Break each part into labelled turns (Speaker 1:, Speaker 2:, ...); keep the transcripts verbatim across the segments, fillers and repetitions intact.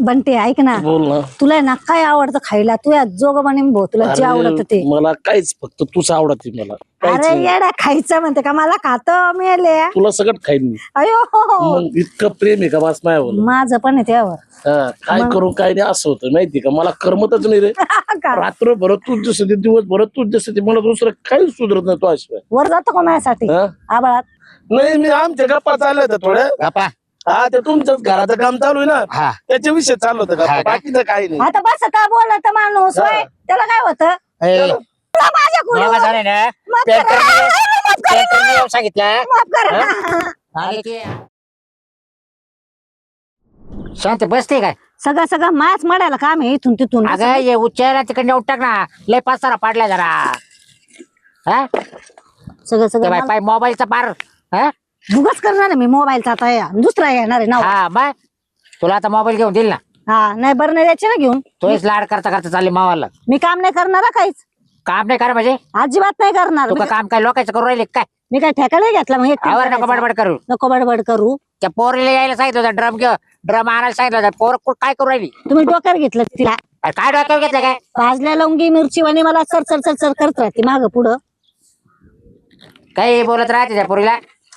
Speaker 1: बंटे ऐक ना,
Speaker 2: बोल ना.
Speaker 1: तुला आहे ना काय आवडतं खायला? तू या जोग बनेन भाऊ, तुला जे आवडतं ते.
Speaker 2: मला काहीच फक्त तूच आवडते मला.
Speaker 1: अरे येडा, खायचं म्हणते का? मला खातं मिळाले.
Speaker 2: तुला सगळं खाईन मी.
Speaker 1: अयो
Speaker 2: मग इतकं प्रेम आहे का बस माझ्यावर?
Speaker 1: माझं पण आहे त्यावर.
Speaker 2: काय करू काय नाही असं होतं माहिती का? मला करमतच नाही रे. रात्र भरत तूच जसं ते, दिवस भरत तूच जसं ते, मला दुसरं काहीच सुधरत नाही तो शिवाय.
Speaker 1: वर जातो का माझ्यासाठी आबाळात?
Speaker 2: नाही, मी आमच्या गप्पा चालल्या होत्या थोड्या.
Speaker 3: गप्पा
Speaker 2: हा, ते तुमच्याच घराचं काम चालू आहे ना,
Speaker 3: हा
Speaker 2: त्याच्या विषय चालू होतं गप्पा, बाकीचं काही नाही.
Speaker 1: आता बस आता बोलत माणूस होय, त्याला काय होतं?
Speaker 3: ए,
Speaker 1: तुला माझ्याकडून
Speaker 3: बाबा झाले ना
Speaker 1: माफ
Speaker 3: पेट
Speaker 1: करा.
Speaker 3: करून-
Speaker 1: माफ करा.
Speaker 3: पेट करून येऊन सांगितलं
Speaker 1: माफ करा ना.
Speaker 3: आणि ते शांत बसते काय?
Speaker 1: सगळं सगळं मायाच मडायला काम आहे इथून तिथून.
Speaker 3: अगं ये उच्चार तिकडे उठाक ना, लय पासारा पाडला जरा. हा
Speaker 1: सगळं
Speaker 3: ते
Speaker 1: सगळं
Speaker 3: बाय पाय मोबाईलचा पार. हा
Speaker 1: भुगच करणार आहे मी मोबाईलचा आता, या दुसरा येणार आहे ना.
Speaker 3: हा बाय तुला आता मोबाईल घेऊन देईल ना.
Speaker 1: हा नाही बरं नाही द्यायचे ना घेऊन.
Speaker 3: तोच लाड करता करता चालली मावाला.
Speaker 1: मी काम नाही करणार हा काहीच,
Speaker 3: काम नाही करा म्हणजे
Speaker 1: अजिबात नाही करणार.
Speaker 3: तू का काम काय लोकांचं करू राहिले काय?
Speaker 1: मी काय ठेका नाही घेतला मग एकटीने
Speaker 3: आवर नको
Speaker 1: करायचा.
Speaker 3: बडबड करू.
Speaker 1: नको बडबड करू.
Speaker 3: त्या पोरीला यायला सांगितलं होतं, ड्रम घेऊ ड्रम आणायला सांगितलं होतं. पोर कु- काय करू राहिली?
Speaker 1: तुम्ही डोक्यावर घेतलं तिला.
Speaker 3: अरे काय डोक्यावर घेतलं काय?
Speaker 1: भाजल्या लवंगी मिरची वाणी मला सर सर सर सर करत राहते माग पुढं.
Speaker 3: काही बोलत राहते त्या पोरीला.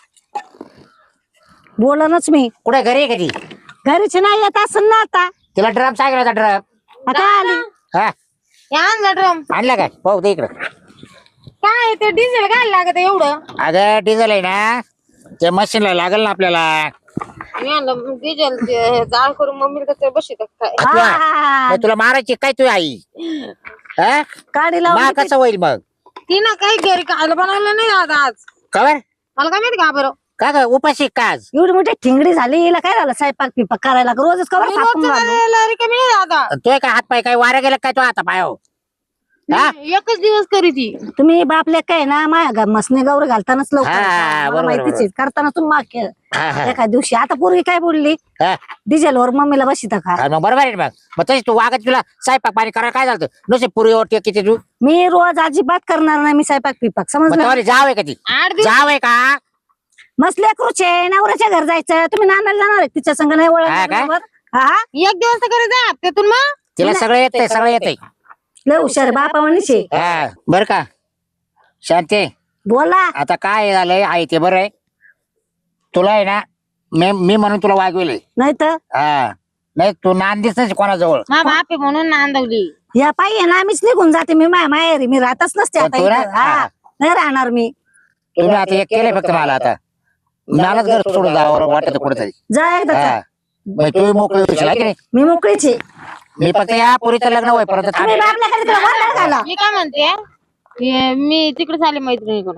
Speaker 1: बोलनच मी.
Speaker 3: कुठे घरी आहे कधी?
Speaker 1: घरीच नाही येत असं ना आता.
Speaker 3: तिला ड्रम सांगितलं होता ड्रम.
Speaker 1: आता आली.
Speaker 3: हा
Speaker 4: आणलं ड्रम.
Speaker 3: आणलं काय? पाहू दे इकडं.
Speaker 4: काय ते डिझेल काय लागत एवढं?
Speaker 3: अगं डिझेल आहे ना, ते मशीनला लागल ना आपल्याला.
Speaker 4: मी आणलं डिझेल जाळ करून मम्मी कसं बसत काय.
Speaker 1: हा.
Speaker 3: मग तुला मारायची काय तू आई? हा
Speaker 1: काडी
Speaker 3: मा
Speaker 1: लावून
Speaker 3: कसं होईल मग?
Speaker 4: तिनं काही घरी खायला बनवलं नाही आज आज
Speaker 3: कवर
Speaker 4: मला काय माहिती का बरं.
Speaker 3: का ग उपाशी काज?
Speaker 1: एवढी मोठी ठिंगडी झाली, हिला काय झालं? स्वयंपाक पिपाक करायला रोजच कवर
Speaker 4: मी
Speaker 1: थापून
Speaker 4: रोजचं
Speaker 1: घालू.
Speaker 4: करायला रिकामी नाही आता.
Speaker 3: तोय काय हात पाय काय वारा गेला काय तो आता पायो? हा
Speaker 4: एकच दिवस करी ती.
Speaker 1: तुम्ही बापले काय ना माया मसने गौर घालतानाच लवकर
Speaker 3: हा,
Speaker 1: मला
Speaker 3: बरोबर,
Speaker 1: माहितीच आहे. करताना तुम्ही माग केलं
Speaker 3: हा, हा.
Speaker 1: एका दिवशी. आता पूर्वी काय बोलली?
Speaker 3: हा.
Speaker 1: डिझेल वर मम्मीला बसिता का?
Speaker 3: अरे मग बरोबर आहे ना मग. मग तशी तू वागत तुला स्वयंपाक पाणी करायला काय झालं? नुसते पुरी ओटी किती तू?
Speaker 1: मी रोज अजिबात करणार नाही मी स्वयंपाक पिपाक,
Speaker 3: मग
Speaker 1: समजलं?
Speaker 3: तुम्हाला जाव आहे कधी?
Speaker 4: आठ दिवस
Speaker 3: जाव आहे का?
Speaker 1: मस्त लेकरूचे नवऱ्याच्या घर जायचं, तुम्ही नानाला जाणार आहे तिच्या संग नाही
Speaker 3: हा काय?
Speaker 1: ओळख? हा
Speaker 4: एक दिवस तर करी जा त्यातून मग.
Speaker 3: तिला सगळं येतंय सगळं येतंय.
Speaker 1: लय हुशार बापा म्हणीचे.
Speaker 3: हा बर का शांती?
Speaker 1: बोला.
Speaker 3: आता काय झालंय आहे ते बरं आहे. तुला आहे ना मी मी म्हणून तुला वागविले.
Speaker 1: नाही तर
Speaker 3: हा नाही तू नांदीच नाही कोणाजवळ.
Speaker 4: मा बाप आहे म्हणून नांदवली.
Speaker 1: या पायी ना आम्हीच निघून जाते. मी माया माहेरी मी राहतच नसते आता
Speaker 3: तू ना?
Speaker 1: इथं. हा नाही राहणार मी.
Speaker 3: तुम्ही आता एक केलंय फक्त मला आता. मलाच घर सोडून जावं वाटत कुठेतरी.
Speaker 1: जा एकदा जा.
Speaker 3: हा मग तू मोकळी होशील आहे की नाही?
Speaker 1: मी मोकळीच आहे.
Speaker 3: मी फक्त या पोरीचं लग्न होईपर्यंत
Speaker 1: तुम्ही
Speaker 3: थांबेल.
Speaker 1: बापल्याकडे तुला गोंधळ घाला.
Speaker 4: मी काय म्हणते हे मी तिकडे झाले मैत्रिणीकडं.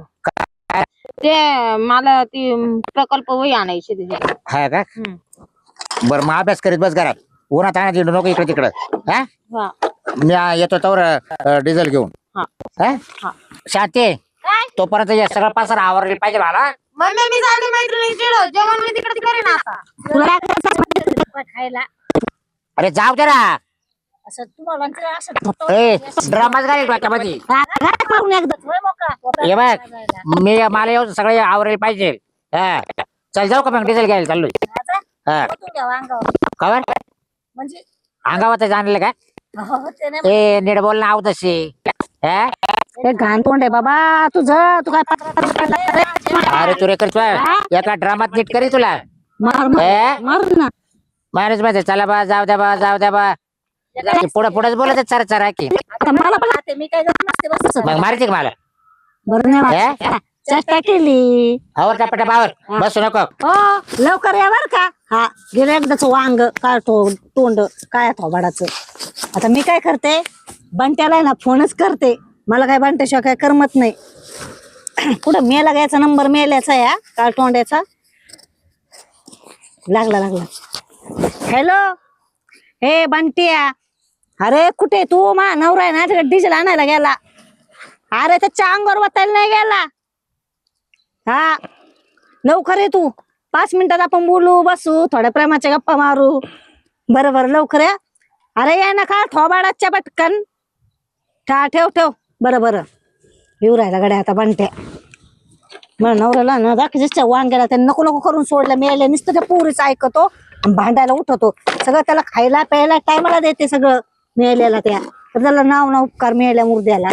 Speaker 4: ते मला ती प्रकल्प वही आणायची तिथे.
Speaker 3: हा का? बर मग अभ्यास करीत बस घरात. उन्हात आणा दिलं नको इकडे तिकडं. हा
Speaker 4: हा
Speaker 3: मी येतो तर डिझेल घेऊन.
Speaker 4: हा.
Speaker 3: हा?
Speaker 4: हा.
Speaker 3: शांती तोपर्यंत या सगळं पासर आवरले पाहिजे मला.
Speaker 4: मम्मी मी झाली मैत्रिणीकडं जेवण मी तिकडे करेन आता.
Speaker 1: तुला काय करायचं खायला?
Speaker 3: अरे जाऊ दे ना.
Speaker 1: असं तुम्हाला असं
Speaker 3: ए ड्रामाच घालील डोक्यामध्ये.
Speaker 1: घरात मारून एकदा होय मोकळा.
Speaker 3: ये बघ मी मला येऊन सगळे आवरले पाहिजे. हा चल जाऊ का मग डिझेल घ्यायला चाललोय. हा
Speaker 1: तू घ्या अंगावर.
Speaker 3: कवर
Speaker 1: म्हणजे
Speaker 3: अंगावर जाणलं का?
Speaker 1: हो, ते नाही.
Speaker 3: ए नीट बोल ना आव तशी. हा?
Speaker 1: ते घाण तोंड आहे बाबा तुझं. तू काय पत्रात
Speaker 3: अरे तू रे करतोय एका ड्रामात नीट करी तुला.
Speaker 1: मार
Speaker 3: ए?
Speaker 1: मार ना.
Speaker 3: माणूस मध्ये चला बा जाऊ द्या बा जाऊ द्या बा. पुढे पुढेच बोलत चरा चरा की.
Speaker 1: आता मला पण आते मी काय करत नसते बस.
Speaker 3: मग मारायची का मला?
Speaker 1: बरं नाही वाटत. चेष्टा केली.
Speaker 3: आवर टपटा बावर बसू नको.
Speaker 1: हो लवकर या बर का. हा गेलं एकदाच वांग काय तो तोंड काय थोबाडाचं. आता मी काय करते बंट्याला ना फोनच करते. मला काय बंट्याशिवाय काय करमत नाही. कुठं मेला घ्यायचा नंबर मेल्याचा या काळ तोंड्याचा. लागला लागला. हॅलो हे बंटिया. अरे कुठे तू? मा नवरा आहे ना तिकडे डिझेल आणायला गेला. अरे त्याच्या अंगावर वतायला नाही गेला. हा लवकर ये तू. पाच मिनिटात आपण बोलू बसू थोड्या प्रेमाच्या गप्पा मारू. बरं बरं लवकर या. अरे या ना का थोबाडाच्या पटकन. ठा ठेव ठेव. बरं बरं येऊ राहिला गड्या आता बंट्या. मला नवऱ्याला ना दाखवायच्या वांग्याला त्याने नको नको करून सोडलं. मिळाले नुसतं त्या पुरीच ऐकतो भांडायला उठवतो सगळं त्याला खायला प्यायला टायमाला देते सगळं मिळालेला त्या तर त्याला नाव ना उपकार मिळाल्या मुर्द्याला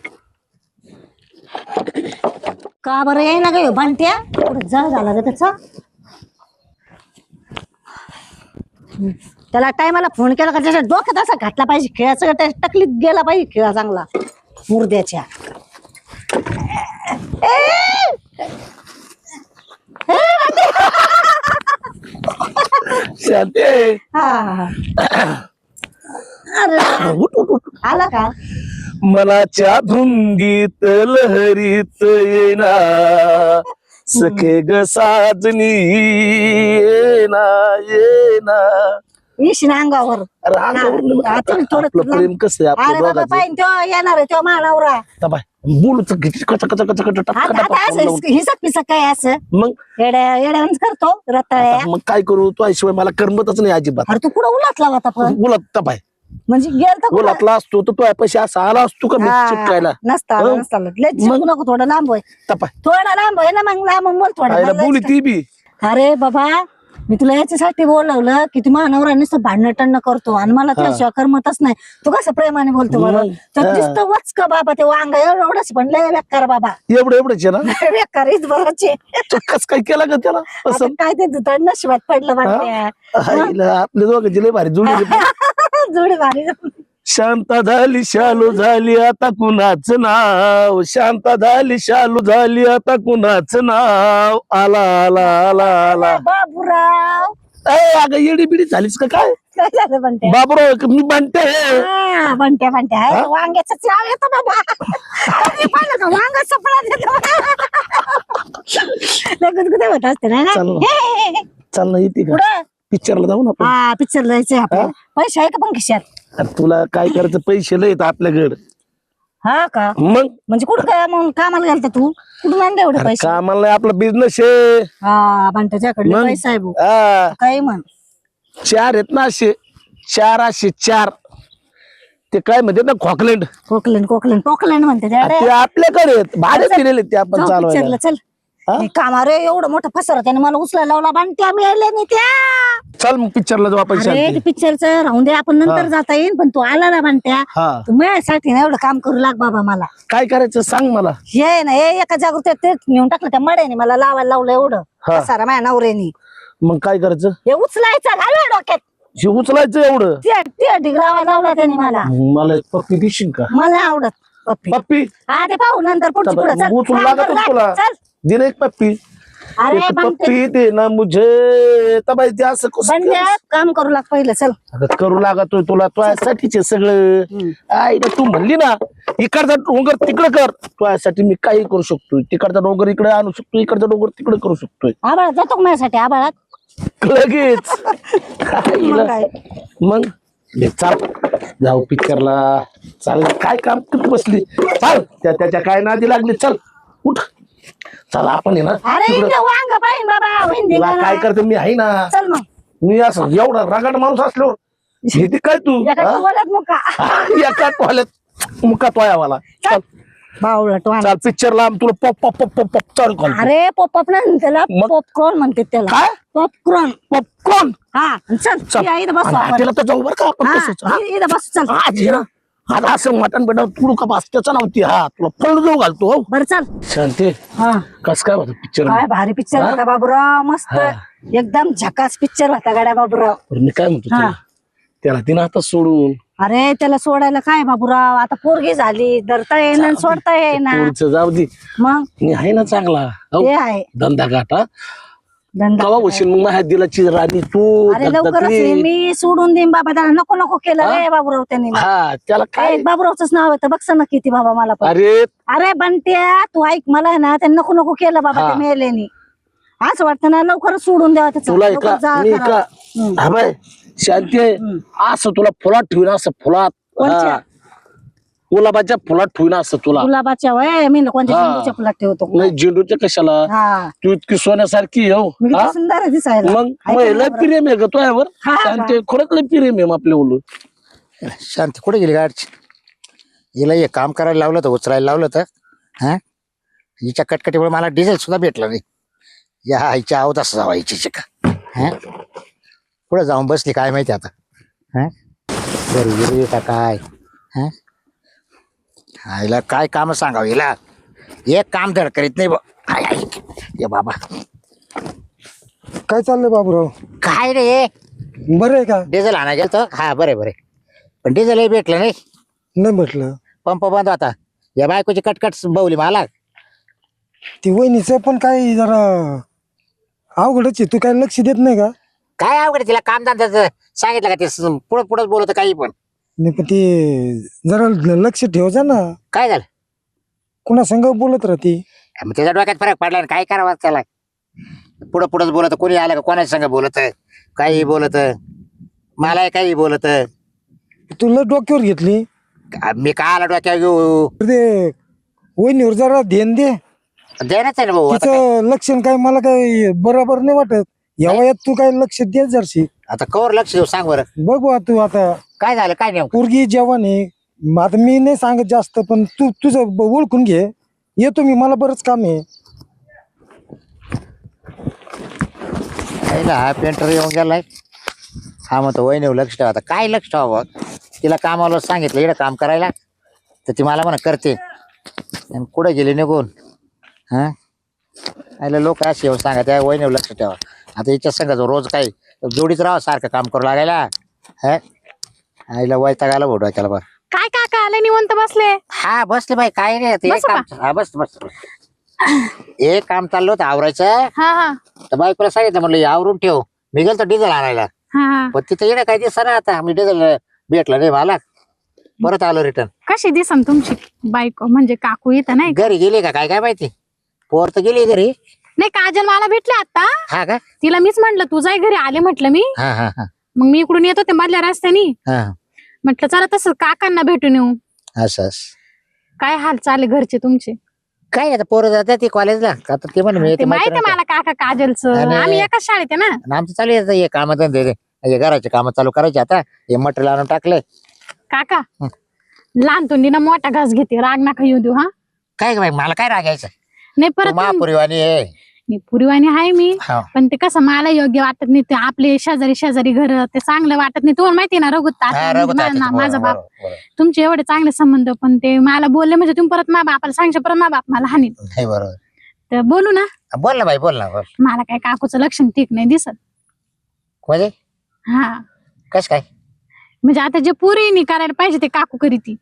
Speaker 1: का बरं येई ना ग भांट्या जळ झाला ग त्याचा त्याला टायमाला फोन केला का त्याच्या डोक्यात असा घातला पाहिजे खेळाचा त्याच्या टकलीत गेला पाहिजे खेळा चांगला मुर्द्याच्या
Speaker 2: शांती
Speaker 1: अरे
Speaker 2: उठ उठ उठ
Speaker 1: आला का
Speaker 2: मनाच्या धुंदीत लहरीत येना सखे ग साजनी येना येना
Speaker 1: येशील अंगावर
Speaker 2: अरे अंगावर नाही,
Speaker 1: हा, तुम्ही थोडं
Speaker 2: आपलं प्रेम कसं आहे
Speaker 1: अरे
Speaker 2: आपलं
Speaker 1: बाबा
Speaker 2: दोघांचं
Speaker 1: पाहिजे तो येणार आहे तो मानवरा
Speaker 2: बाय बोलू कच कच कच कच कच टक
Speaker 1: आता
Speaker 2: टक
Speaker 1: आता असं हिसक पिसक काय असं
Speaker 2: मग
Speaker 1: येड्या येड्यावरच करतो रताळ्या
Speaker 2: आता मग काय करू तो शिवाय मला करमतच नाही अजिबात
Speaker 1: अरे तू कुठं उलातला होता पण
Speaker 2: बोलत तपाय
Speaker 1: म्हणजे गेल तर कुठं?
Speaker 2: बोलातला असतो तर तो पैसे असा आला असतो का मी
Speaker 1: हा,
Speaker 2: चिटकायला
Speaker 1: नसता आला,
Speaker 2: हो.
Speaker 1: नसता आला. लय चिपकू नको थोडं लांब होय
Speaker 2: तपाय
Speaker 1: थोडं लांब होय ना मग लांब बोल थोडं
Speaker 2: आईला
Speaker 1: मला
Speaker 2: बोली
Speaker 1: लयच
Speaker 2: ती बी
Speaker 1: का- अरे बाबा मी तुला याच्यासाठी बोलवलं की तू मानवरा नुसतं भांडण टणं करतो आणि मला त्याशिवाय करमतच नाही तू कसं प्रेमाने बोलतो बरं
Speaker 2: मग,
Speaker 1: तर
Speaker 2: हा.
Speaker 1: दिसतं वच का बाबा ते वांग एवढं एवढंच पण लय बेकार बाबा
Speaker 2: एवढं एवढंच आहे ना
Speaker 1: बेकार इथं बराचे
Speaker 2: कस काय केला का त्याला
Speaker 1: आता
Speaker 2: असं
Speaker 1: काय ते दुधाड नशिबात पडलं वाटतं
Speaker 2: आईला आपले दोघांची लय भारी जुळली
Speaker 1: जोडी भारी
Speaker 2: शांता झाली शालू झाली आता कुणाच नाव शांता झाली शालू झाली आता कुणाच नाव आला आला आला आला
Speaker 1: बाबूराव
Speaker 2: ए अगं येडी बिडी झालीस का काय
Speaker 1: काय झालं म्हणते
Speaker 2: बाबरो मी म्हणते
Speaker 1: हा, म्हणते म्हणते आहे, वांग्याचं चाव येतो बाबा कधी पाहिलं का वांग सपळा देतो लय गुदगुदे होत असते ना
Speaker 2: चालू.
Speaker 1: हे, हे, हे.
Speaker 2: चाल ना येते का
Speaker 1: पुढं
Speaker 2: पिक्चरला जाऊ ना आपण
Speaker 1: हा पिक्चर जायचंय आपल्याला पैसे आहे का पण खिशात
Speaker 2: अरे तुला काय करायचं पैसे लय आपल्याकडे
Speaker 1: हा का
Speaker 2: मग
Speaker 1: म्हणजे कुठं काय मग कामाला गेलता तू कुठून आणले एवढे
Speaker 2: अरे
Speaker 1: पैसे
Speaker 2: कामाला नाही आपला बिझनेस आहे
Speaker 1: हा पण त्याच्याकडे
Speaker 2: मग?
Speaker 1: पैसा आहे भाऊ
Speaker 2: हा,
Speaker 1: काही म्हण
Speaker 2: चार आहेत ना असे चार असे चार ते काय म्हणते ना खोकलँड
Speaker 1: कोकलँड कोकलँड कोकलँड म्हणते त्याकडे
Speaker 2: ते आपल्याकडे आहेत भाडे दिलेले ते आपण
Speaker 1: जाऊ
Speaker 2: चालवायला
Speaker 1: पिक्चरला चल
Speaker 2: हा?
Speaker 1: हे कामा रे एवढं मोठं फसर त्याने मला उचलायला लावला बांधत्या मिळाल्या नाही त्या
Speaker 2: चल मग पिक्चरला जाऊ आपण
Speaker 1: अरे
Speaker 2: शांती
Speaker 1: ते पिक्चरचं राहून दे आपण नंतर जाता येईल पण तू आला ना बांधत्या
Speaker 2: हा
Speaker 1: तू माझ्यासाठी ना एवढं काम करू लाग बाबा मला
Speaker 2: काय करायचं सांग मला
Speaker 1: हे ना हे एका जागृत तेच नेऊन टाकलं त्या मड्याने मला लावायला लावलं एवढं
Speaker 2: हा.
Speaker 1: सारा माझ्या नवऱ्यानी
Speaker 2: मग काय करायचं
Speaker 1: हे उचलायचं घालवा डोक्यात
Speaker 2: हे उचलायचं एवढं
Speaker 1: ते ते ढिगरावा लावला त्याने मला
Speaker 2: मला एक पप्पी देशील का
Speaker 1: मला आवडत पप्पी
Speaker 2: पप्पी
Speaker 1: हा ते पाहू नंतर पुढची पुढे चल
Speaker 2: उचलू
Speaker 1: काम
Speaker 2: लागत
Speaker 1: करू लाग.
Speaker 2: तुला
Speaker 1: चल
Speaker 2: दिले एक पप्पी
Speaker 1: अरे
Speaker 2: एक
Speaker 1: बांधते
Speaker 2: पप्पी दे ना मुझे तबाई ते असं कसं
Speaker 1: बंड्या काम करू लाग पहिलं चल
Speaker 2: अगं करू लागतोय तुला तुझ्यासाठीच आहे सगळं आई तू म्हणली ना इकडचा डोंगर तिकडे कर तुझ्यासाठी मी काही करू शकतोय तिकडचा डोंगर इकडे आणू शकतो इकडचा डोंगर तिकडे करू शकतोय
Speaker 1: आबाळात जातो का माझ्यासाठी आबाळात
Speaker 2: लगेच
Speaker 1: मग काय?
Speaker 2: मग ले, चाल जाऊ पिक्चरला चाल काय काम करत बसली चाल त्या त्याच्या काय नादी लागली चल उठ चल आपण आहे ना
Speaker 1: अरे
Speaker 2: तिकडं-
Speaker 1: इथं वांग पाहिजे बाबा हिंदी
Speaker 2: तुला
Speaker 1: गाणं.
Speaker 2: काय करते मी आहे ना
Speaker 1: चल मग
Speaker 2: मी असं एवढा रगाड माणूस असलो हे काय तू
Speaker 1: एका
Speaker 2: हा?
Speaker 1: बोलत मग का
Speaker 2: एका टोल्यात मुका तोयावाला चल
Speaker 1: बावळट वांग.
Speaker 2: चाल पिक्चरला तुला pop pop pop pop pop चालू कर
Speaker 1: अरे पॉपअप ना त्याला
Speaker 2: मग?
Speaker 1: पॉपकॉर्न म्हणते त्याला
Speaker 2: काय
Speaker 1: पॉपकॉर्न
Speaker 2: पॉपकॉर्न
Speaker 1: हा चल
Speaker 2: चल
Speaker 1: या इथं बसू आपण.
Speaker 2: हॉटेलला तर जाऊ बरं का आपण
Speaker 1: हा,
Speaker 2: तसंच, हा?
Speaker 1: इ- इथं बसू चल
Speaker 2: आज ये ना आज असं मटण बेटा तुडू का बास त्याचा नव्हती हा तुला फळ जाऊ घालतो हो
Speaker 1: बर चल
Speaker 2: शांती
Speaker 1: हा
Speaker 2: कस काय होतं पिक्चर
Speaker 1: काय भारी पिक्चर
Speaker 2: हा?
Speaker 1: होता बाबूराव मस्त
Speaker 2: हा.
Speaker 1: एकदम झकास पिक्चर होता गाड्या बाबूराव
Speaker 2: मी काय म्हणतो
Speaker 1: हा.
Speaker 2: तुला त्याला तिनं आता सोडून
Speaker 1: अरे त्याला सोडायला काय बाबूराव आता पोरगी झाली धरता येईना सोडता येईना
Speaker 2: पोरीचं जाऊ दे
Speaker 1: मग
Speaker 2: मी आहे ना चांगला हो,
Speaker 1: ते आहे
Speaker 2: धंदा गाठा
Speaker 1: धंदा
Speaker 2: कवा होशील मग माझ्या दिलाची राणी तू
Speaker 1: अरे लवकरच
Speaker 2: धगधगली.
Speaker 1: ये, मी सोडून देईन बाबा त्याला नको नको केलं
Speaker 2: हा?
Speaker 1: रे बाबूराव त्यांनी
Speaker 2: हा त्याला काय
Speaker 1: काय बाबूरावच नाव येतं बघ ना किती बाबा मला पण
Speaker 2: अरे
Speaker 1: अरे बनत्या तू ऐक मला ना त्यांनी नको नको केलं बाबा
Speaker 2: हा.
Speaker 1: ते मेलेनी असं वाटतं ना लवकरच सोडून द्यावा त्याचं
Speaker 2: तुला
Speaker 1: लवकर
Speaker 2: एका
Speaker 1: जाळ
Speaker 2: मी
Speaker 1: करावा.
Speaker 2: एका
Speaker 1: हम्म.
Speaker 2: हा बाय शांती आहे असं तुला फुलात ठेवून असं फुलात
Speaker 1: कोणच्या?
Speaker 2: हा. गुलाबाच्या फुलात ठेवून असं तुला
Speaker 1: गुलाबाच्या वय मी ना कोणत्या
Speaker 2: हा.
Speaker 1: झेंडूच्या फुलात ठेवतो
Speaker 2: नाही झेंडूच्या कशाला
Speaker 1: हा
Speaker 2: तू इतकी सोन्यासारखी आहे, हो
Speaker 1: मी
Speaker 2: हा?
Speaker 1: किती सुंदर आहे दिसायला
Speaker 2: मग
Speaker 1: ऐक
Speaker 2: मग
Speaker 1: ना
Speaker 2: लय
Speaker 1: बरं.
Speaker 2: प्रेम आहे ग तुझ्यावर
Speaker 1: हा का?
Speaker 2: शांती खरंच लय प्रेम आहे आपल्या ओळू
Speaker 3: शांती कुठे गेली गाडची हिला हे काम करायला लावलं तर उचलायला लावलं तर हा हिच्या कटकटीमुळे मला डिझेल सुद्धा भेटलं नाही या आईच्या आवत असं जावा हिची का हा पुढे जाऊन बसली काय माहिती आता. हा घरी गेली का काय. हा आईला काय काम सांगावं हिला. एक काम धड करीत नाही बा. आय आय ये बाबा.
Speaker 5: काय चाललंय बाबूराव?
Speaker 3: काय रे
Speaker 5: बरं आहे का?
Speaker 3: डिझेल आणा गेलतो. हा बरे बरे पण डिझेलही भेटलं नाही.
Speaker 5: नाही म्हटलं
Speaker 3: पंप बंद होता. या बायकोची कटकट बवली मला.
Speaker 5: ती वहिनीचं पण काय जरा अवघडच आहे. तू काय लक्ष देत नाही का?
Speaker 3: काय अवघड तिला काम धंद्याचं सांगितलं का ते पुढं पुढंच बोलत काही पण.
Speaker 5: नाही पण ते जरा लक्ष ठेवजा ना.
Speaker 3: काय झालं
Speaker 5: कुणा संग बोलत राहते?
Speaker 3: मग त्याच्या डोक्यात फरक पडला ना. काय करावं त्याला. पुढं पुढंच बोलत. कोणी आलं का कोणाच्या संग बोलत काही बोलत. मला काही बोलत.
Speaker 5: तुला डोक्यावर घेतली
Speaker 3: मी का आला डोक्यावर घेऊ.
Speaker 5: तर ते वहिनीवर जरा ध्यान दे.
Speaker 3: देण्याच आहे ना भाऊ. आता काय-
Speaker 5: तिचं लक्षण काय मला काय बरोबर नाही वाटत. या वयात तू काय लक्ष दे जरशी.
Speaker 3: आता कवर लक्ष देऊ सांग बरं.
Speaker 5: बघू आता तू आता
Speaker 3: काय झालं काय नाही.
Speaker 5: पोरगी जेवण आहे. मग आता मी नाही सांगत जास्त पण तू तुझं ब- ओळखून घे. येतो मी. मला बरंच काम आहे.
Speaker 3: हा पेंटर येऊन गेलाय. हा म्हणतो वहिनीवर लक्ष ठेवा. आता काय लक्ष ठेवा. तिला कामाला सांगितलं इकडं काम करायला तर ती मला म्हणा करते. आणि कुठं गेली निघून. हा आयला लोक असे येऊन सांगा त्या वहिनीवर लक्ष ठेवा. आता हिच्या संघाचं रोज काही जोडीच राहा सारखं काम करू लागायला. हा आईला वैताग आला भाऊ डोक्याला बरं.
Speaker 1: काय काका आले निवंत बसले?
Speaker 3: हा बसले बाई काय रे ते
Speaker 1: बसू
Speaker 3: काम. हा बस बस बस. एक काम चाललं होतं आवरायचं.
Speaker 1: हा हा
Speaker 3: तर बायकोला सांगितलं म्हणलं हे आवरून ठेव. मी गेलो डिझेल आणायला.
Speaker 1: हा हा
Speaker 3: पण तिथं येणं काय दिसत ना. आता मी डिझेल भेटलं नाही मला. परत आलो रिटर्न.
Speaker 1: कशी दिसन तुमची बायको म्हणजे काकू इथं नाही का?
Speaker 3: घरी गेली का काय काय माहिती. पोर तर गेली घरी.
Speaker 1: नाही काजल मला भेटले आता.
Speaker 3: हा का.
Speaker 1: तिला मीच म्हंटल तू जाय घरी आले म्हटलं मी.
Speaker 3: हा हा हा
Speaker 1: मग मी इकडून येत होते मधल्या रस्त्यानी.
Speaker 3: हा
Speaker 1: म्हटलं चला तसं काकांना भेटून येऊ.
Speaker 3: असं असं.
Speaker 1: काय हाल चालले घरचे तुमचे?
Speaker 3: काय आता पोरं जातात ती कॉलेजला. आता ते म्हणे मी
Speaker 1: ते
Speaker 3: येते
Speaker 1: माहिती
Speaker 3: मैत्रिणीकडे.
Speaker 1: मला काका काजलचं.
Speaker 3: आणि-
Speaker 1: आम्ही एकाच शाळेत आहे ना.
Speaker 3: आणि आमचं चालू आहे आता हे काम धंदे हे घराचे काम चालू करायचे. आता हे मटेरियल आणून टाकले.
Speaker 1: काका
Speaker 3: हं.
Speaker 1: लहान तोंडीना मोठा घास घेते. राग नका येऊ देऊ. हा
Speaker 3: काय ग बाई मला काय रागायचं.
Speaker 1: नाही परत तुम-
Speaker 3: महापुरीवाणी आहे.
Speaker 1: नाही, पुरीवाणी आहे मी.
Speaker 3: हा.
Speaker 1: पण ते कसं मला योग्य वाटत नाही. ते आपले शेजारी शेजारी घर ते चांगलं वाटत नाही. तुम्हाला माहिती ना रघुत
Speaker 3: हा,
Speaker 1: तात्या,
Speaker 3: रघुत
Speaker 1: मा-
Speaker 3: तात्याचं,
Speaker 1: ना- माझा
Speaker 3: बरोबर,
Speaker 1: बाप.
Speaker 3: बरोबर, बरोबर.
Speaker 1: तुमचे एवढे चांगले संबंध पण ते मला बोलले म्हणजे तुम्ही परत मा बापाला सांगशे परत मा बाप मला हानी.
Speaker 3: नाही बरोबर.
Speaker 1: तर बोलू ना.
Speaker 3: बोल ना बाई बोल ना बोल.
Speaker 1: मला काय काकूचं लक्षण ठीक नाही दिसत.
Speaker 3: म्हणजे
Speaker 1: हा
Speaker 3: कस काय.
Speaker 1: म्हणजे आता जे पुरी करायला पाहिजे ते काकू करी ती.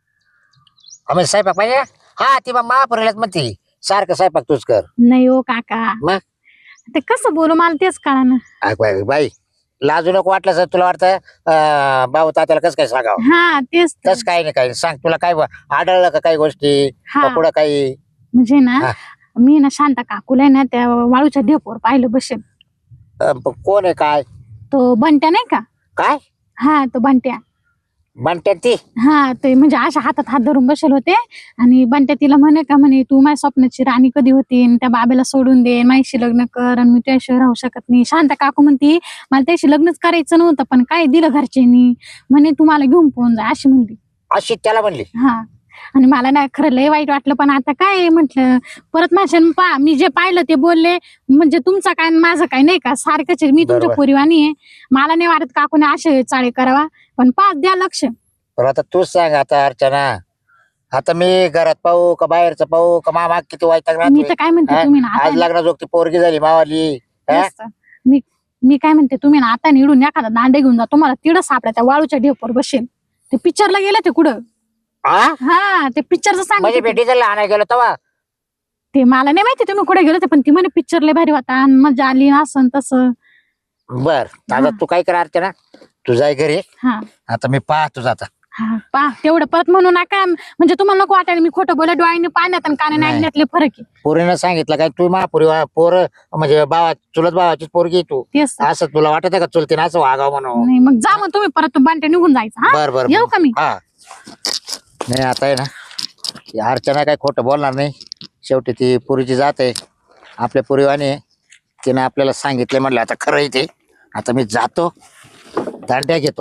Speaker 3: आम्ही स्वयंपाक पाहिजे. हा ती मग महापुरीलाच म्हणते सारखं स्वयंपाक तूच कर.
Speaker 1: नाही हो काका.
Speaker 3: मग
Speaker 1: ते कसं बोलू मला तेच कळा ना.
Speaker 3: अग बाई बाई, लाजू नको. वाटलं सर तुला वाटतं अं, भाऊ तात्याला कसं काय सांगावं.
Speaker 1: हा तेच तर.
Speaker 3: तस काही नाही काही नाही. सांग तुला काय ब- आढळलं का काही गोष्टी
Speaker 1: हा
Speaker 3: का पुढं काही.
Speaker 1: म्हणजे ना
Speaker 3: हा.
Speaker 1: मी ना शांता काकूला आहे ना त्या वाळूच्या ढेपोर पाहिलं बसेल.
Speaker 3: अं, प- कोण आहे काय
Speaker 1: तो बंट्या नाही का?
Speaker 3: काय
Speaker 1: हा तो बंट्या.
Speaker 3: म्हणते ती.
Speaker 1: हा ते म्हणजे अशा हातात हात धरून बसेल होते. आणि बंट्या तिला म्हणे का म्हणे तू माझ्या स्वप्नाची राणी कधी होती आणि त्या बाबेला सोडून दे माझ्याशी लग्न कर आणि मी त्याशिवाय राहू शकत नाही. शांता काकू म्हणती मला त्याशी लग्नच करायचं नव्हतं पण काय दिलं घरच्यांनी म्हणे तू मला घेऊन पोहून जा अशी म्हणली.
Speaker 3: अशी त्याला म्हणली.
Speaker 1: हा आणि मला ना खरं लय वाईट वाटलं पण आता काय म्हटलं परत माझ्या पा मी जे पाहिलं ते बोलले म्हणजे तुमचा काय आणि माझं काय नाही का सारखंच आहे. मी तुमच्या
Speaker 3: बरोबर.
Speaker 1: पोरीवानी आहे. मला नाही वाटत काकूने असे चाळे करावा पण पाच द्या लक्ष.
Speaker 3: पण आता तूच सांग आता अर्चना. आता मी घरात पाहू का बाहेरचं पाहू का मामा किती वाईट
Speaker 1: मी तर काय म्हणते
Speaker 3: हा?
Speaker 1: तुम्ही ना
Speaker 3: आज
Speaker 1: आता
Speaker 3: लग्न जोगती पोरगी झाली मावाली. हा?
Speaker 1: तेच तर. मी मी काय म्हणते तुम्ही ना आता निडून एखादा दांडे घेऊन जा तुम्हाला तिडं सापड्या त्या वाळूच्या ढेपवर बसेल. ते पिक्चरला गेले ते कुठं.
Speaker 3: हा?
Speaker 1: हा ते पिक्चरचं
Speaker 3: म्हणजे
Speaker 1: सांग.
Speaker 3: मी डिझेलला आणायला गेलो तेव्हा.
Speaker 1: ते मला नाही माहिती तुम्ही कुठे गेले पण ती म्हणे पिक्चर लय भारी होता आणि मजा आली असं तसं.
Speaker 3: बर आता तू काय कर अर्चना तू जाय घरी.
Speaker 1: हा
Speaker 3: आता मी पाहतो आता.
Speaker 1: हा पा तेवढं परत म्हणू नका म्हणजे तुम्हाला नको वाटायला मी खोटं बोला डोळ्याने पाण्यात आणि कानाने
Speaker 3: नाही.
Speaker 1: ऐकण्यातले फरक आहे.
Speaker 3: पोरीनं सांगितलं काय तू महापुरी पोर म्हणजे भावा चुलत भावाचीच पोरगी आहे तू.
Speaker 1: तेच तर.
Speaker 3: असं तुला वाटत का चुलतीनं असं वागावं म्हणून.
Speaker 1: नाही मग जा मग तुम्ही परत बांटे निघून जायचं. हा
Speaker 3: बर बर
Speaker 1: येऊ का मी.
Speaker 3: हा नाही आता आहे ना ही अर्चना काय खोटं बोलणार नाही. शेवटी ती पुरीची जात आहे आपल्या पुरीवाने आहे. तिने आपल्याला सांगितलं म्हणलं आता खरं आहे ते. आता मी जातो दांड्या घेतो.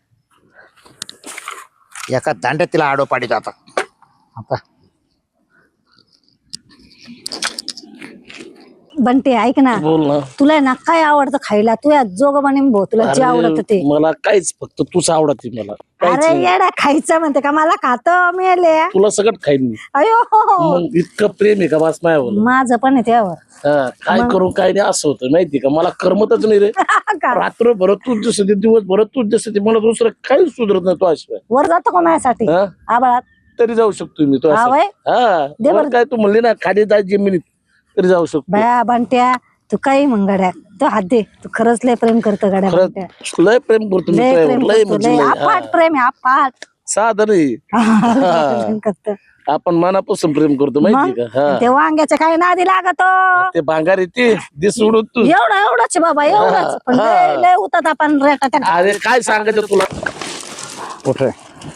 Speaker 3: एका दांड्यात तिला आडो पाडीत आता. आता
Speaker 1: बंटे ऐक ना,
Speaker 2: बोल ना.
Speaker 1: तुला ना काय आवडतं खायला? तू या जोग बने भाऊ, तुला जे आवडत ते.
Speaker 2: अरे, मला काहीच फक्त तूच आवडते मला. काहीच
Speaker 1: अरे
Speaker 2: नाही.
Speaker 1: येडा, खायचं म्हणते का? मला खात मेले.
Speaker 2: तुला सगळं खाईन मी.
Speaker 1: अयो
Speaker 2: मग इतकं प्रेम आहे का बस माझ्यावर?
Speaker 1: माझं पण आहे त्यावर.
Speaker 2: हा, काय करू काय नाही असं होतं माहिती का? मला करमतच नाही रे.
Speaker 1: का?
Speaker 2: रात्र भरत तूच जसं ते, दिवस भरत तूच जसं ते, मला दुसरं काही सुधरत नाही तो अशिवाय.
Speaker 1: वर जातो का माझ्यासाठी
Speaker 2: हा?
Speaker 1: आबाळात?
Speaker 2: तरी जाऊ शकतो मी तो
Speaker 1: हा
Speaker 2: असं.
Speaker 1: वय?
Speaker 2: हा,
Speaker 1: दे
Speaker 2: वर
Speaker 1: बरं.
Speaker 2: काय तू म्हणली ना खाली जाय जमिनीत तरी जाऊ शकतो.
Speaker 1: बया बंट्या, तू काही म्हण गड्या, तू हात दे. तू खरंच लय प्रेम करतो गड्या बंट्या.
Speaker 2: खरंच लय प्रेम करतो मी
Speaker 1: लय
Speaker 2: तुझ्यावर.
Speaker 1: प्रेम
Speaker 2: लय
Speaker 1: करतो,
Speaker 2: म्हणजे
Speaker 1: लय
Speaker 2: लय.
Speaker 1: अफाट
Speaker 2: हा.
Speaker 1: प्रेम आहे, अफाट.
Speaker 2: साधं नाही.
Speaker 1: प्रेम करतो.
Speaker 2: आपण मनापासून प्रेम करतो माहिती का? हा.
Speaker 1: ते वांग्याच्या काही नादी लागतो.
Speaker 2: ते भांगार येते ते सोडून तू.
Speaker 1: एवढं एवढंच बाबा, एवढंच. पण
Speaker 2: हा.
Speaker 1: लय लय उतात आपण रेटा.
Speaker 2: अरे काय सांगायचं तुला?
Speaker 3: कुठे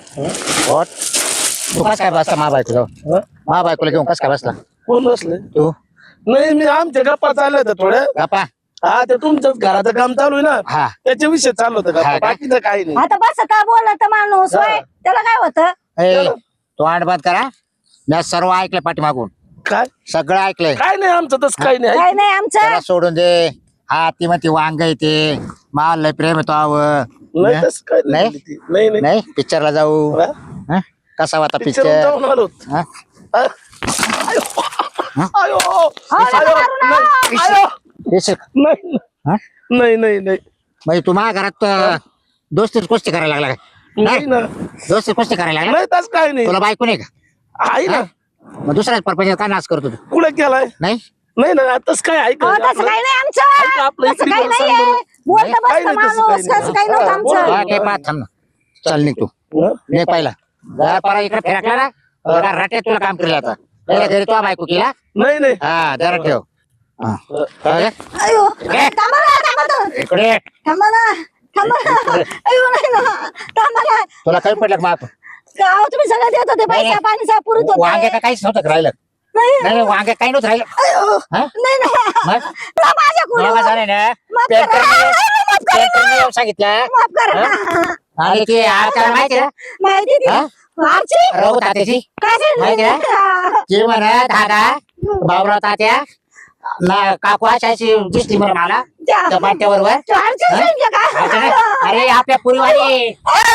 Speaker 3: तू कस काय बसला मा बायको
Speaker 2: हा?
Speaker 3: मा बायकोला घेऊन कस काय बसला
Speaker 2: कोण असले?
Speaker 3: तू
Speaker 2: नाही, मी आमच्या गप्पा चालल्या होत्या थोड्या.
Speaker 3: गप्पा
Speaker 2: हा, ते तुमच्याच घराचं काम चालू आहे ना,
Speaker 3: हा
Speaker 2: त्याच्या विषय चालू होतं
Speaker 3: हा
Speaker 2: गप्पा.
Speaker 3: का?
Speaker 2: बाकीचं काही नाही.
Speaker 1: आता बसत बोलत माणूस होय, त्याला काय होतं?
Speaker 3: ए, तो आठ बाद करा. मी सर्व ऐकलं पाठीमागून,
Speaker 2: काय
Speaker 3: सगळं ऐकलंय.
Speaker 2: काय नाही आमचं तसं काही नाही.
Speaker 1: काय नाही आमचं.
Speaker 3: त्याला सोडून दे. हा ती म्हणते वांग येते माल लय प्रेम येतो आव
Speaker 2: नाही तसं काही
Speaker 3: नाही?
Speaker 2: नाही ती. नाही नाही
Speaker 3: नाही पिक्चरला जाऊ.
Speaker 2: हा?
Speaker 3: हा? कसा होता
Speaker 2: पिक्चर
Speaker 3: पिक्चर?
Speaker 2: जाऊन आलो.
Speaker 3: हा?
Speaker 2: हा? आयो. आयो.
Speaker 1: नका
Speaker 2: आयो.
Speaker 1: मारू ना.
Speaker 2: नाही. आयो.
Speaker 3: पिक्चर
Speaker 2: नाही
Speaker 3: हा?
Speaker 2: नाही नाही नाही
Speaker 3: म्हणजे तू माझ्या घरात अं, दोस्तीच कुस्ती करायला लागला काय?
Speaker 2: नाही ना.
Speaker 3: दोस्ती कुस्ती करायला लागला?
Speaker 2: नाही तसं काही नाही.
Speaker 3: तुला बायको नाही का?
Speaker 2: आहे ना.
Speaker 3: मग दुसऱ्याच परपंच काय नाच करतो तू?
Speaker 2: कुठे केलाय?
Speaker 3: नाही
Speaker 2: नाही ना, तसं काय ऐक
Speaker 1: अहो, तसं काही नाही
Speaker 2: ऐका
Speaker 1: आमचं.
Speaker 2: आपलं
Speaker 1: तसं
Speaker 2: इकडे
Speaker 1: काही
Speaker 2: बरं, सांग
Speaker 1: नाहीये.
Speaker 2: बरं.
Speaker 1: बोलतं
Speaker 2: काही
Speaker 1: बसतं
Speaker 2: नाही तसं
Speaker 1: माणूस,
Speaker 2: काही
Speaker 1: कसं काही नव्हतं
Speaker 2: नाही.
Speaker 1: आमचं.
Speaker 3: हा, ते पाहत थांब ना. चल निघ तू. नाही पाहिला जर परा इकडे फिरकला ना जरा रट्यात तुला काम केलं आता. पहिल्या घरी तो बायको केला.
Speaker 2: नाही नाही.
Speaker 3: हा जरा ठेव. हा. कळलं?
Speaker 1: अयो, थांबा ना, थांबा ना.
Speaker 3: इकडे
Speaker 1: थांबा ना, थांबा ना. अयो, नाही ना. थांबा ना.
Speaker 3: तुला काही पडलं का माप?
Speaker 1: गाव तुम्ही सगळं देत होते,
Speaker 3: नाही,
Speaker 1: पैसा पाणी सगळं पुरत होतं.
Speaker 3: वांगे का काहीच नव्हतं का राहिलं?
Speaker 1: नाही.
Speaker 3: नाही नाही, वांगे काही नव्हतं राहिलं.
Speaker 1: अयो,
Speaker 3: हा?
Speaker 1: नाही ना.
Speaker 3: मग?
Speaker 1: तुला माझ्याकडून
Speaker 3: मला झालं ना
Speaker 1: माफ करा.
Speaker 3: पेंटरने-
Speaker 1: माफ करा.
Speaker 3: पेंटरने येऊन सांगितलं.
Speaker 1: माफ करा ना.
Speaker 3: आणि ते आजकाल माहिती ना
Speaker 1: माहिती ती
Speaker 3: हा?
Speaker 1: आमची
Speaker 3: राहू तात्याची
Speaker 1: काय
Speaker 3: माहिती
Speaker 1: झालं?
Speaker 3: ते म्हणा दादा बाबराव तात्या ना काकू अशी दिसली म्हणा मला
Speaker 1: त्या-
Speaker 3: त्या बाट्याबरोबर.
Speaker 1: त्या आमची
Speaker 3: हा?
Speaker 1: संख्या काय?
Speaker 3: आता ना, अरे आपल्या पुरीवाणी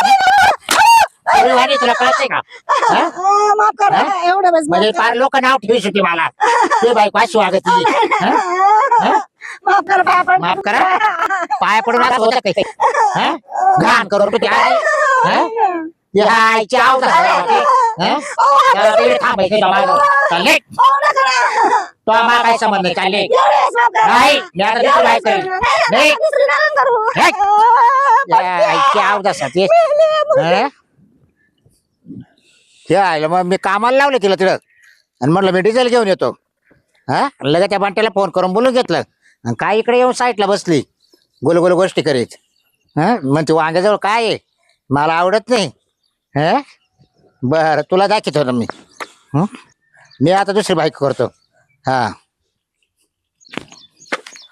Speaker 3: पुरीवाणी तुला कळतंय का? हा?
Speaker 1: अं, माफ करा
Speaker 3: हा?
Speaker 1: एवढं बस
Speaker 3: म्हणजे फार लोक नाव ठेवू होती मला ते बायको अशी वागत होती. हा? हा?
Speaker 1: माफ करा पाया पड-
Speaker 3: माफ करा पाया पडून असं होतं काही हा? घाण करून होती आई. हा? ती आईची आवड थांबायची चालले
Speaker 1: हो ना करा.
Speaker 3: तो आम्हाला काय संबंध नाही चालले
Speaker 1: एवढेच माफ करा.
Speaker 3: नाही, मी आता दुसरं काय करेन?
Speaker 1: नाही,
Speaker 3: नाही.
Speaker 1: आता दुसरी नका करू.
Speaker 3: हे?
Speaker 1: अं,
Speaker 3: आईची आवड असायची. हा? ते आईला मग मी कामाला लावलं तिला तिला आणि म्हटलं मी डिझेल घेऊन येतो. हा लगेच त्या बांट्याला फोन करून बोलून घेतलं आणि काय इकडे येऊन साईडला बसली गोल गोल गोष्टी करीत. हा म्हणते वांग्याजवळ काय आहे मला आवडत नाही. हा बरं तुला दाखवतो ना मी. हं? मी आता दुसरी बाईक करतो. हा